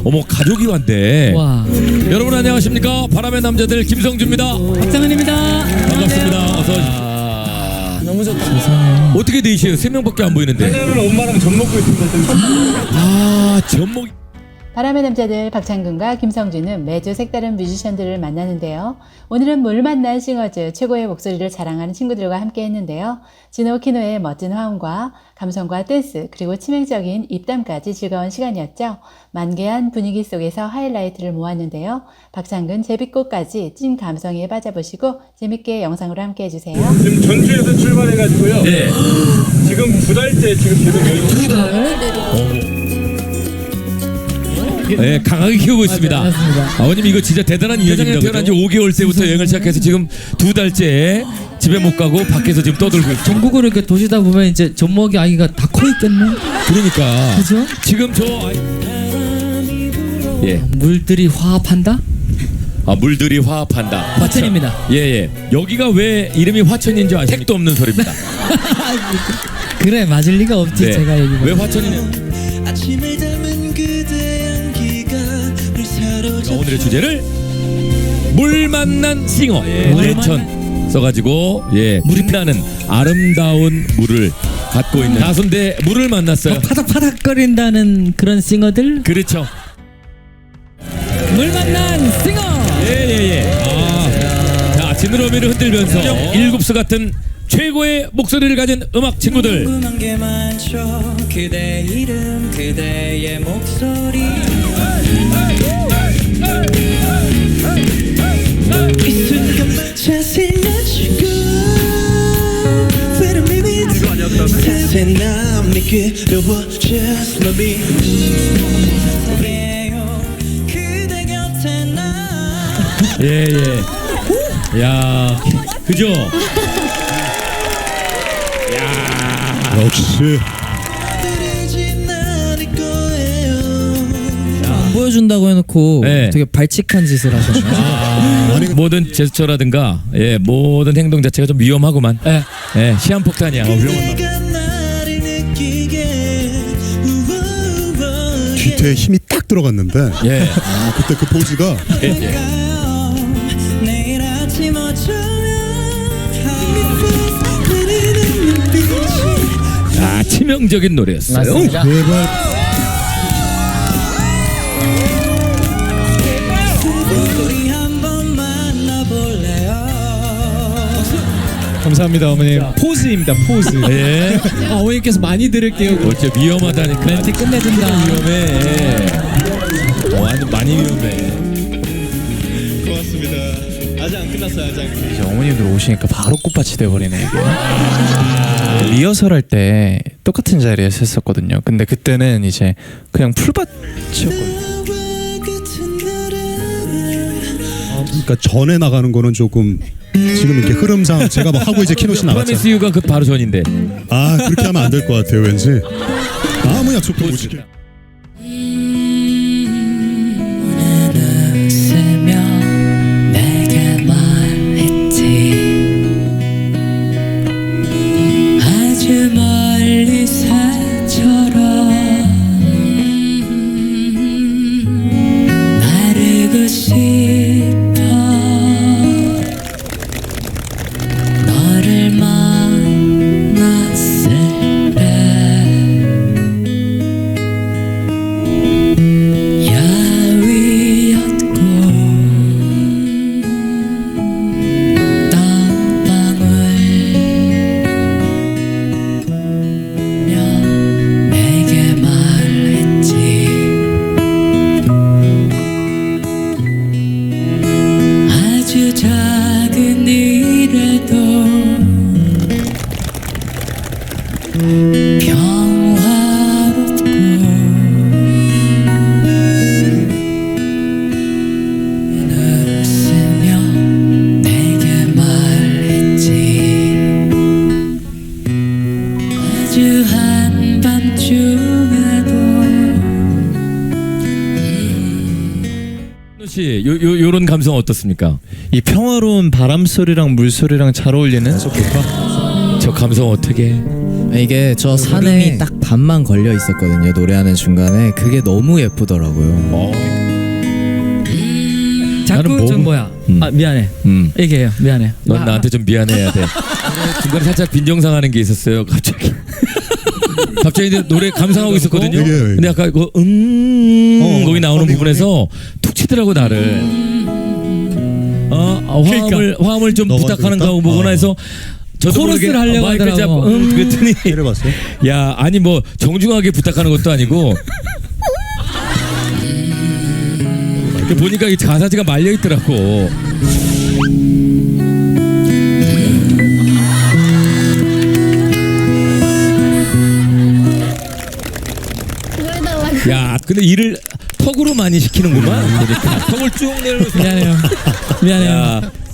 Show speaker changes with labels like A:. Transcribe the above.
A: 어머 가족이 왔대.
B: 와.
A: 여러분 안녕하십니까? 바람의 남자들 김성주입니다.
B: 박상은입니다.
A: 반갑습니다. 어서
B: 너무 좋다.
A: 어떻게 되시요? 3명밖에 안 보이는데.
C: 오늘 엄마랑 젖 먹고 있습니다.
A: 아 전목.
D: 바람의 남자들 박창근과 김성주는 매주 색다른 뮤지션들을 만나는데요. 오늘은 물 만난 싱어즈 최고의 목소리를 자랑하는 친구들과 함께 했는데요. 진호 키노의 멋진 화음과 감성과 댄스 그리고 치명적인 입담까지 즐거운 시간이었죠. 만개한 분위기 속에서 하이라이트를 모았는데요. 박창근 제비꽃까지 찐 감성에 빠져보시고 재밌게 영상으로 함께 해주세요.
C: 지금 전주에서 출발해가지고요.
A: 네.
C: 지금 2달째 지금 계속 여기.
B: 2달?
A: 네, 강하게 키우고 있습니다.
B: 맞습니다.
A: 아버님 이거 진짜 대단한 이야기입니다. 태어난 지 5개월 때부터 여행을 시작해서 지금 2달째 집에 못 가고 밖에서 지금 떠들고 있죠.
B: 전국으로 이렇게 도시다 보면 이제 젖먹이 아기가 다 커 있겠네.
A: 그러니까
B: 그죠?
A: 지금 예.
B: 물들이 화합한다?
A: 아 물들이 화합한다.
B: 화천입니다.
A: 예예. 여기가 왜 이름이 화천인 줄 아십니까? 택도 없는 소리입니다.
B: 그래 맞을 리가 없지.
A: 네.
B: 제가 얘기.
A: 왜 화천이냐? 오늘의 주제를 물 만난 싱어 물천 써가지고 물이 나는 아름다운 물을 갖고 있는 가수인데 물을 만났어요.
B: 파닥파닥거린다는 그런 싱어들.
A: 그렇죠.
B: 물 만난 싱어.
A: 예예예. 자 지느러미를 흔들면서 일곱수 같은 최고의 목소리를 가진 음악 친구들.
E: 궁금한 게 많죠. 그대 이름 그대의 목소리 이 순간만 자세히 낮추고 Wait a minute 자세히 난 미끄러워 Just love me 그대 곁에 나
A: 예예. 야 그죠?
F: 역시
E: 들이진 않을 거예요
B: 안 보여준다고 해놓고
A: 네.
B: 되게 발칙한 짓을 하셨네.
A: 모든 제스처라든가 모든 행동 자체가 좀 위험하구만. 시한폭탄이야. 위험한.
E: 그대가 나를 느끼게 우우우.
F: 뒤태에 힘이 딱 들어갔는데
A: 예.
F: 그때 그 포즈가
E: 내일 아침 어쩌면 흐르는 눈빛이
A: 아 치명적인 노래였어요.
B: 맞습니다.
F: 제발
E: 우리 한번 만나볼래요
C: 감사합니다 어머님. 포즈입니다 포즈.
A: 예.
B: 어머니께서 많이 들을게요.
A: 어째 위험하다니까.
B: 멘트 끝내준다.
A: 위험해. 아주 많이 위험해.
C: 고맙습니다. 아직 안 끝났어요 아직.
G: 이제 어머님들 오시니까 바로 꽃밭이 돼버리네 이게. 리허설 할 때 똑같은 자리에서 했었거든요. 근데 그때는 이제 그냥 풀밭이었거든요.
F: 그러니까 전에 나가는 거는 조금 지금 이렇게 흐름상 제가 뭐 하고 이제 키노씨 나갔잖아.
A: 프라미스 유가 그 바로 전인데.
F: 아 그렇게 하면 안 될 것 같아요 왠지. 아무 약속도 못 지켜.
E: 웃으며 내게 말했지 아주 멀리 새처럼 나르고 싶어 너를 만났을 때 야위었고 땀방울며 내게 말했지 아주 작은 일에도 웃으며 내게 말했지 아주 한밤중에도
A: 씨, 요런 감성 어떻습니까?
G: 이 평화로운 바람 소리랑 물 소리랑 잘 어울리는
A: 저 감성 어떻게?
H: 이게 저 산에 딱 반만 걸려 있었거든요. 노래하는 중간에 그게 너무 예쁘더라고요.
B: 자꾸
A: 나는
B: 좀 뭐야? 아 미안해. 얘기해요. 미안해.
A: 넌 나한테 좀 미안해야 돼. 중간에 살짝 빈정상하는 게 있었어요. 갑자기. 갑자기 이제 노래 감상하고 있었거든요.
F: 예, 예.
A: 근데 아까 그 거기 나오는 부분에서 툭 치더라고 나를. 화음을 좀
F: 너가
A: 부탁하는
F: 그랬다?
A: 거 보거나 해서 저도
B: 코러스를
A: 모르게
B: 하려고
A: 마이크를
B: 하더라고.
A: 잡고 그랬더니
F: 때려봤어요?
A: 야 아니 뭐 정중하게 부탁하는 것도 아니고 이렇게 보니까 이 가사지가 말려 있더라고. 야 근데 일을 턱으로 많이 시키는구만. 그러니까 턱을 쭉 내려서
B: 미안해요. 미안해요.
A: 야